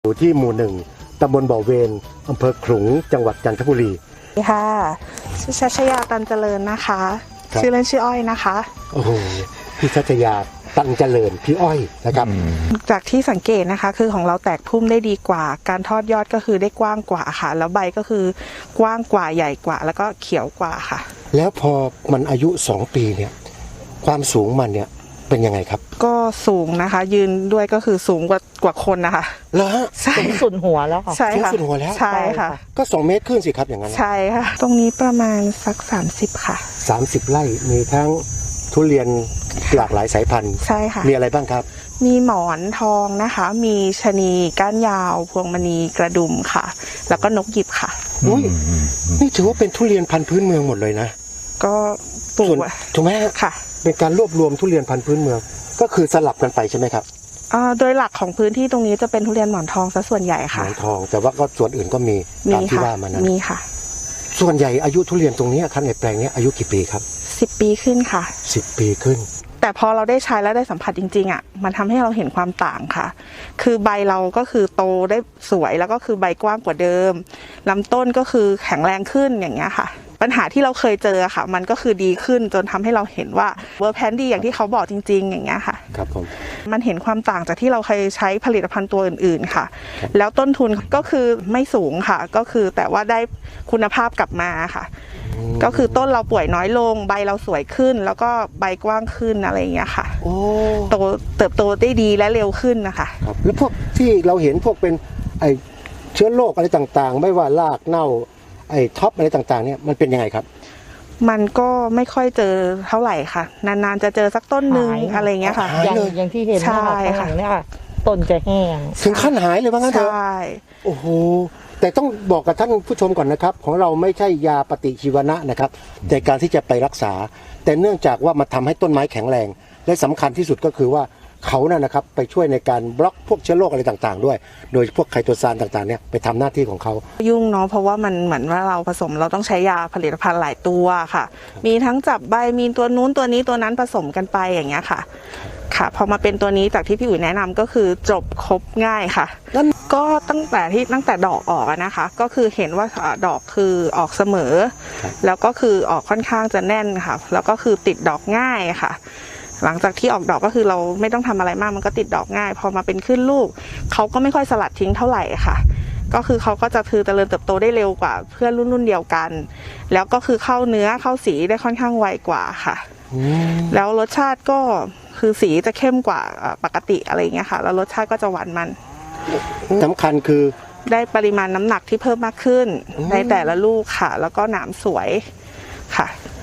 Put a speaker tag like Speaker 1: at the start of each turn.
Speaker 1: อยู่ที่หมู่หนึ่งตำบลบ่อเวนอำเภอขลุงจังหวัดจันทบุรี
Speaker 2: ค่ะชื่อชัชยาตันเจริญนะคะชื่อเล่นชื่ออ้อยนะคะ
Speaker 1: โอ้โหพี่ชัชยาตันเจริญพี่อ้อยนะครับ
Speaker 2: จากที่สังเกตนะคะคือของเราแตกพุ่มได้ดีกว่าการทอดยอดก็คือได้กว้างกว่าค่ะแล้วใบก็คือกว้างกว่าใหญ่กว่าแล้วก็เขียวกว่าค่ะ
Speaker 1: แล้วพอมันอายุ2 ปีเนี่ยความสูงมันเนี่ยเป็นยังไงครับ
Speaker 2: ก็สูงนะคะยืนด้วยก็คือสูงกว่าคนนะคะ
Speaker 1: เหรอฮะ
Speaker 3: สูงสุดหัวแล้วค่ะ
Speaker 2: ใช่ค่ะ
Speaker 1: สูงสุดหัวแล้ว
Speaker 2: ใช่ค่ะ
Speaker 1: ก็2 เมตรขึ้นสิครับอย่างนั้น
Speaker 2: ใช่ค่ะตรงนี้ประมาณสัก30ค่ะ
Speaker 1: 30 ไร่มีทั้งทุเรียนหลากหลายสายพันธุ์
Speaker 2: ใช่ค่ะ
Speaker 1: มีอะไรบ้างครับ
Speaker 2: มีหมอนทองนะคะมีชะนีก้านยาวพวงมณีกระดุมค่ะแล้วก็นกหยิบค่ะ
Speaker 1: อุ้ยนี่ถือว่าเป็นทุเรียนพันธุ์พื้นเมืองหมดเลยนะ
Speaker 2: ก็ปลูก
Speaker 1: ถูกไหม
Speaker 2: ค่ะ
Speaker 1: เป็นการรวบรวมทุเรียนพันธุ์พื้นเมืองก็คือสลับกันไปใช่ไหมครับ
Speaker 2: โดยหลักของพื้นที่ตรงนี้จะเป็นทุเรียนหมอนทองซะส่วนใหญ่ค่ะ
Speaker 1: หมอนทองแต่ว่าก็ส่วนอื่นก็มีตามที่ว่ามานั้น
Speaker 2: มีค่ะ
Speaker 1: ส่วนใหญ่อายุทุเรียนตรงนี้ครับในแปลงนี้อายุกี่ปีครับ
Speaker 2: 10 ปีขึ้นค่ะ
Speaker 1: 10 ปีขึ้น
Speaker 2: แต่พอเราได้ใช้แล้วได้สัมผัสจริงๆอ่ะมันทำให้เราเห็นความต่างค่ะคือใบเราก็คือโตได้สวยแล้วก็คือใบกว้างกว่าเดิมลำต้นก็คือแข็งแรงขึ้นอย่างเงี้ยค่ะปัญหาที่เราเคยเจอค่ะมันก็คือดีขึ้นจนทำให้เราเห็นว่าเวอร์แพนดีอย่างที่เขาบอกจริงๆอย่างเงี้ยค่ะ
Speaker 1: ครับผม
Speaker 2: มันเห็นความต่างจากที่เราเคยใช้ผลิตภัณฑ์ตัวอื่นๆค่ะแล้วต้นทุนก็คือไม่สูงค่ะก็คือแต่ว่าได้คุณภาพกลับมาค่ะก็คือต้นเราป่วยน้อยลงใบเราสวยขึ้นแล้วก็ใบกว้างขึ้นอะไรอย่างเงี้ยค่ะเติบโตได้ดีและเร็วขึ้นนะคะ
Speaker 1: ครับแล้วพวกที่เราเห็นพวกเป็นไอเชื้อโรคอะไรต่างๆไม่ว่ารากเน่าไอ้ท็อปอะไรต่างๆเนี่ยมันเป็นยังไงครับ
Speaker 2: มันก็ไม่ค่อยเจอเท่าไหร่ค่ะนานๆจะเจอสักต้นนึงอะไรเงี้ยค่ะ
Speaker 3: อย่างที่เห็นข้างหลังเนี่ยค่ะต้นจะแห้ง
Speaker 1: ถึงขั้นหายเลยว่างั้นเถอะ
Speaker 2: ใช่
Speaker 1: โอ้โหแต่ต้องบอกกับท่านผู้ชมก่อนนะครับของเราไม่ใช่ยาปฏิชีวนะนะครับในการที่จะไปรักษาแต่เนื่องจากว่ามันทำให้ต้นไม้แข็งแรงและสำคัญที่สุดก็คือว่าเขานะครับไปช่วยในการบล็อกพวกเชื้อโรคอะไรต่างๆด้วยโดยพวกไคโตซานต่างๆเนี่ยไปทำหน้าที่ของเขา
Speaker 2: ยุ่งเนาะเพราะว่ามันเหมือนว่าเราผสมเราต้องใช้ยาผลิตภัณฑ์หลายตัวค่ะมีทั้งจับใบมีตัวนู้นตัวนี้ตัวนั้นผสมกันไปอย่างเงี้ยค่ะค่ะพอมาเป็นตัวนี้จากที่พี่อุ๋ยแนะนำก็คือจบครบง่ายค่ะก็ตั้งแต่ดอกออกนะคะก็คือเห็นว่าดอกคือออกเสมอแล้วก็คือออกค่อนข้างจะแน่นค่ะแล้วก็คือติดดอกง่ายค่ะหลังจากที่ออกดอกก็คือเราไม่ต้องทำอะไรมากมันก็ติดดอกง่ายพอมาเป็นขึ้นลูกเขาก็ไม่ค่อยสลัดทิ้งเท่าไหร่ค่ะก็คือเขาก็จะเจริญเติบโตได้เร็วกว่าเพื่อนรุ่นเดียวกันแล้วก็คือเข้าเนื้อเข้าสีได้ค่อนข้างไวกว่าค่ะแล้วรสชาติก็คือสีจะเข้มกว่าปกติอะไรเงี้ยค่ะแล้วรสชาติก็จะหวานมัน
Speaker 1: สำคัญคือ
Speaker 2: ได้ปริมาณน้ำหนักที่เพิ่มมากขึ้นในแต่ละลูกค่ะแล้วก็หนามสวยค่ะ